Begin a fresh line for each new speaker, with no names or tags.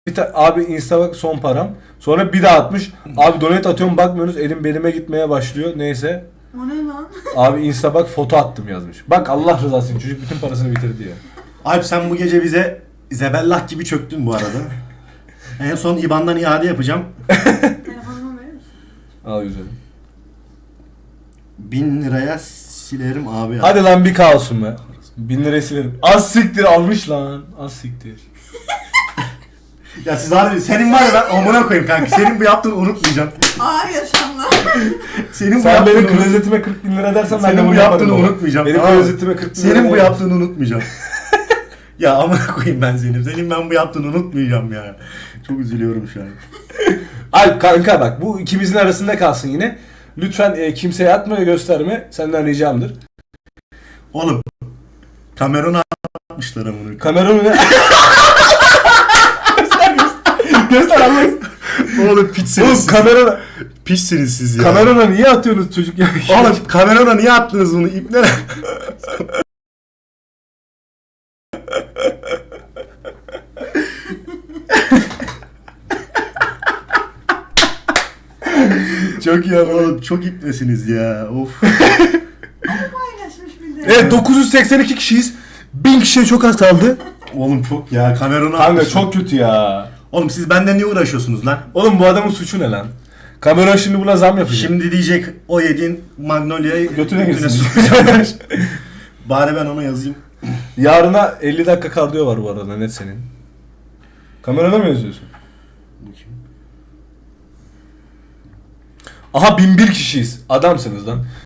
Abi Insta bak son param. Sonra bir daha atmış. Abi donate atıyorum bakmıyorsunuz elim belime gitmeye başlıyor. Neyse.
O ne lan?
Abi Insta bak foto attım yazmış. Bak Allah rızası için çocuk bütün parasını bitirdi ya.
Alp sen bu gece bize zebellah gibi çöktün bu arada. En son IBAN'dan iade yapacağım.
Telefonumu verir misin?
Al güzelim.
1000 liraya silerim abi.
Hadi lan bir kalsın be. 1000 lirayı silerim. Az siktir almış lan. Az siktir.
Ya siz harbi senin var ya ben amına koyayım kanka. Senin bu yaptığını unutmayacağım.
Ağır yaşamlar.
Senin bu
Sen benim
yaptığını
klozetime 40 bin lira dersen ben de
Senin
bunu
bu yaptığını
yaparım.
unutmayacağım.
Benim
tamam mı?
klozetime 40 bin lira
Senin bu
ne?
yaptığını unutmayacağım. Ya amına koyayım ben seni. Senin ben bu yaptığını unutmayacağım ya. Çok üzülüyorum şu an.
Alp kanka bak bu ikimizin arasında kalsın yine. Lütfen kimseye atma ve gösterme. Senden ricamdır.
Oğlum. Kameronu atmışlar amına.
Kameramı ne? Göster Allah.
Oğlum piçsiniz
Oğlum
siz.
kamerana.
Piçsiniz siz ya.
Kamerana niye atıyorsunuz çocuk ya?
Oğlum kamerona niye attınız bunu ipnere?
Çok iyi anladım.
Oğlum çok ipnesiniz ya. Of.
Paylaşmış bir de.
Evet 982 kişiyiz. 1000 kişiye çok az kaldı.
Oğlum çok ya kameronu
Kanka
atmışsın.
çok kötü ya.
Oğlum siz benden niye uğraşıyorsunuz lan?
Oğlum bu adamın suçu ne lan? Kamera şimdi buna zam yapacak.
Şimdi diyecek o yediğin Magnolia'yı
Götüne girsin.
sokacağım. Bari ben ona yazayım.
Yarına 50 dakika kardiyo var bu arada net senin. Kamerada mı yazıyorsun? Aha 1001 kişiyiz. Adamsınız lan.